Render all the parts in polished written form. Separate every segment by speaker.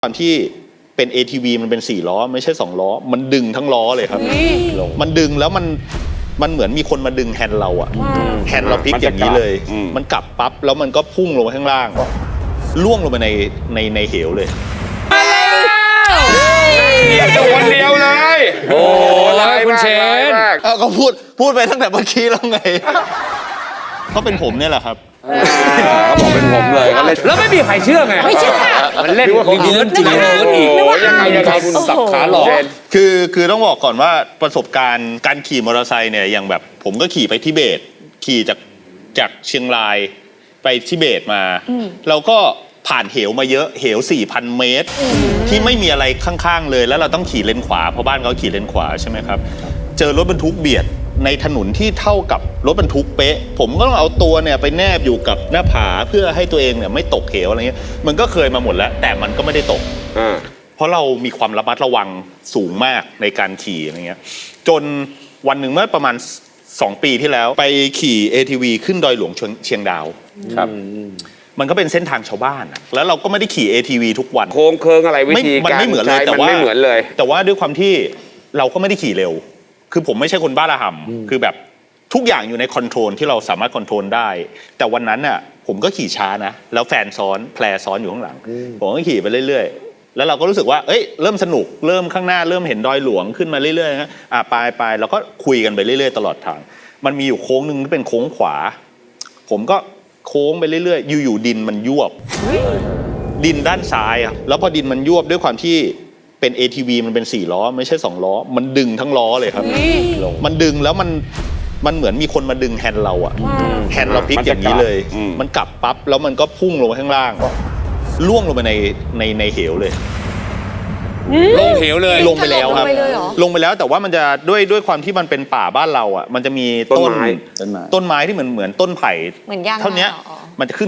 Speaker 1: ความที่เป็น ATV มันเป็น4ล้อไม่ใช่2ล้อมันดึงทั้งล้อเลยครับมันดึงแล้วมันเหมือนมีคนมาดึงแฮนด์เราอะแฮนด์เราพลิกอย่างนี้เลยมันกลับปั๊บแล้วมันก็พุ่งลงไปข้างล่างล่วงลงไปในเหวเลย
Speaker 2: คนเดียวเลยโอ้ยคุณเชน
Speaker 1: ก็พูดไปตั้งแต่เมื่อกี้แล้วไงก็เป็นผมเนี่ยแหละครับ
Speaker 2: เขาบอกเป็นผมเลยแล้วไม่มีใครเชื่อไง
Speaker 3: ไม่เชื่อ
Speaker 2: มันเล่นว่ามีเงินจริงอีกยังไงคุณสับขาหลอก
Speaker 1: คือต้องบอกก่อนว่าประสบการณ์การขี่มอเตอร์ไซค์เนี่ยอย่างแบบผมก็ขี่ไปทิเบตขี่จากเชียงรายไปทิเบตมาเราก็ผ่านเหวมาเยอะเหว 4,000 เมตรที่ไม่มีอะไรข้างๆเลยแล้วเราต้องขี่เลนขวาเพราะบ้านเขาขี่เลนขวาใช่ไหมครับเจอรถบรรทุกเบียดในถนนที่เท่ากับรถบรรทุกเป๊ะผมก็ต้องเอาตัวเนี่ยไปแนบอยู่กับหน้าผาเพื่อให้ตัวเองเนี่ยไม่ตกเหวอะไรเงี้ยมันก็เคยมาหมดแล้วแต่มันก็ไม่ได้ตกเพราะเรามีความระมัดระวังสูงมากในการขี่อะไรเงี้ยจนวันหนึ่งเมื่อประมาณ2 ปีที่แล้วไปขี่ ATV ขึ้นดอยหลวงเชียงดาวครับมันก็เป็นเส้นทางชาวบ้านแล้วเราก็ไม่ได้ขี่ ATV ทุกวัน
Speaker 2: โค้งเคิงอะไรวิธีการ
Speaker 1: มันไม่เหมือนเลยแต่ว่าด้วยความที่เราก็ไม่ได้ขี่เร็วคือผมไม่ใช่คนบ้าระห่ำคือแบบทุกอย่างอยู่ในคอนโทรลที่เราสามารถคอนโทรลได้แต่วันนั้นน่ะผมก็ขี่ช้านะแล้วแฟนซ้อนแพรซ้อนอยู่ข้างหลังผมก็ขี่ไปเรื่อยๆแล้วเราก็รู้สึกว่าเอ้ยเริ่มสนุกเริ่มข้างหน้าเริ่มเห็นดอยหลวงขึ้นมาเรื่อยๆนะไปเราก็คุยกันไปเรื่อยๆตลอดทางมันมีอยู่โค้งนึงที่เป็นโค้งขวาผมก็โค้งไปเรื่อยๆอยู่ๆดินมันยวบดินด้านซ้ายอ่ะแล้วพอดินมันยวบด้วยความที่เป็น ATV มันเป็น4ล้อไม่ใช่2ล้อมันดึงทั้งล้อเลยครับมันดึงแล้วมันเหมือนมีคนมาดึงแฮนด์เราอะแฮนด์เราพลิกอย่างนี้เลยมันกลับปั๊บแล้วมันก็พุ่งลงไปข้างล่างล่วงลงไปในเหวเลย
Speaker 2: ลงเหวเลย
Speaker 1: ลงไปแล้วครับลงไปแล้วแต่ว่ามันจะด้วยความที่มันเป็นป่าบ้านเราอะมันจะมีต้นไม้ที่เหมือนต้นไผ่เท่านี้มันจะขึ้น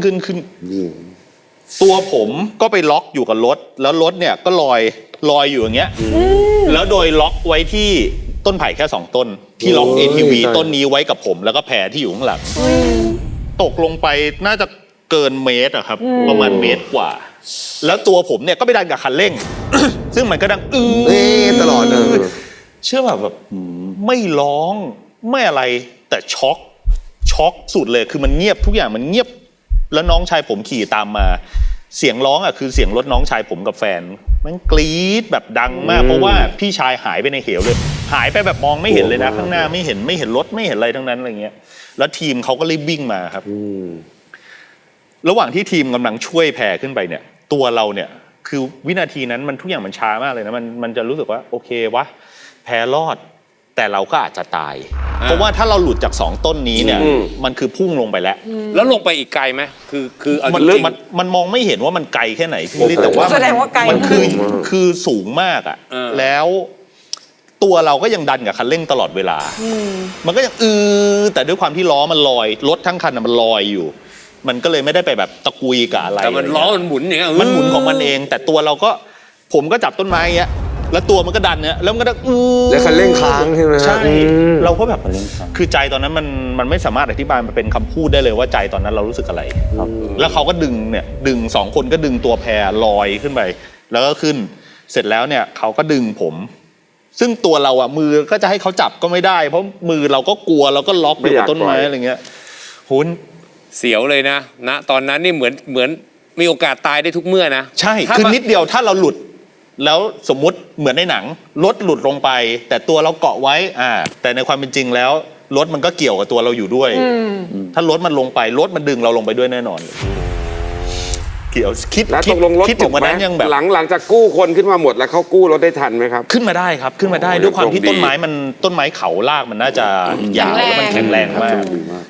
Speaker 1: ตัวผมก็ไปล็อกอยู่กับรถแล้วรถเนี่ยก็ลอยอยู่อย่างเงี้ยแล้วโดยล็อกไว้ที่ต้นไผ่แค่2 ต้นที่ล็อก ATV ต้นนี้ไว้กับผมแล้วก็แพรที่อยู่ข้างหลังตกลงไปน่าจะเกินเมตรอะครับประมาณเมตรกว่าแล้วตัวผมเนี่ยก็ไปดันกับคันเร่ง ซึ่งมันก็ดัง
Speaker 4: ตลอด
Speaker 1: เชื่อแบบไม่ร้องไม่อะไรแต่ช็อกสุดเลยคือมันเงียบทุกอย่างมันเงียบแล้วน้องชายผมขี่ตามมาเสียงร้องอ่ะคือเสียงรถน้องชายผมกับแฟนมันกรี๊ดแบบดังมากเพราะว่าพี่ชายหายไปในเหวเลยหายไปแบบมองไม่เห็นเลยนะข้างหน้าไม่เห็นรถไม่เห็นอะไรทั้งนั้นอะไรเงี้ยแล้วทีมเขาก็รีบวิ่งมาครับระหว่างที่ทีมกำลังช่วยแพรขึ้นไปเนี่ยตัวเราเนี่ยคือวินาทีนั้นมันทุกอย่างมันช้ามากเลยนะมันจะรู้สึกว่าโอเควะแพรรอดแต่เราก็อาจจะตายเพราะว่าถ้าเราหลุดจาก2 ต้นนี้เนี่ยมันคือพุ่งลงไปแล้ว
Speaker 2: ลงไปอีกไกลไหมคือ
Speaker 1: มันมองไม่เห็นว่ามันไกลแค่ไหนพี่แต่ว่า
Speaker 3: แสดงว่าไกล
Speaker 1: มันคือสูงมากอ่ะแล้วตัวเราก็ยังดันกับคันเร่งตลอดเวลามันก็ยังแต่ด้วยความที่ล้อมันลอยรถทั้งคันมันลอยอยู่มันก็เลยไม่ได้ไปแบบตะกุยกับอะไร
Speaker 2: แต่มันล้อมันหมุนอย่างเงี้ย
Speaker 1: มันหมุนของมันเองแต่ตัวเราก็ผมก็จับต้นไม้อย่างเงี้ยแล้วตัวมันก็ดันเนี่ยแล้วมันก็
Speaker 4: แล้วคันเร่งค้างใช่ไหม
Speaker 1: ใช่เราก็แบบคือใจตอนนั้นมันไม่สามารถอธิบายมันเป็นคำพูดได้เลยว่าใจตอนนั้นเรารู้สึกอะไรแล้วเขาก็ดึง2 คนก็ดึงตัวแพรลอยขึ้นไปแล้วก็ขึ้นเสร็จแล้วเนี่ยเขาก็ดึงผมซึ่งตัวเราอ่ะมือก็จะให้เขาจับก็ไม่ได้เพราะมือเราก็กลัวเราก็ล็อกอยู่กับต้นไม้อะไรเงี้ยหุ้น
Speaker 2: เสียวเลยนะตอนนั้นนี่เหมือนมีโอกาสตายได้ทุกเมื่อนะ
Speaker 1: ใช่คือนิดเดียวถ้าเราหลุดแล้วสมมุติเหมือนในหนังรถหลุดลงไปแต่ตัวเราเกาะไว้แต่ในความเป็นจริงแล้วรถมันก็เกี่ยวกับตัวเราอยู่ด้วยถ้ารถมันลงไปรถมันดึงเราลงไปด้วยแน่นอนเกี่ยวคิดถึงวันนั้นยังแบบ
Speaker 4: หลังจากกู้คนขึ้นมาหมดแล้วเขากู้รถได้ทันไหมครับ
Speaker 1: ขึ้นมาได้ครับขึ้นมาได้ด้วยความที่ต้นไม้เขาลากมันน่าจะยาวแล้วมันแข็งแรงมาก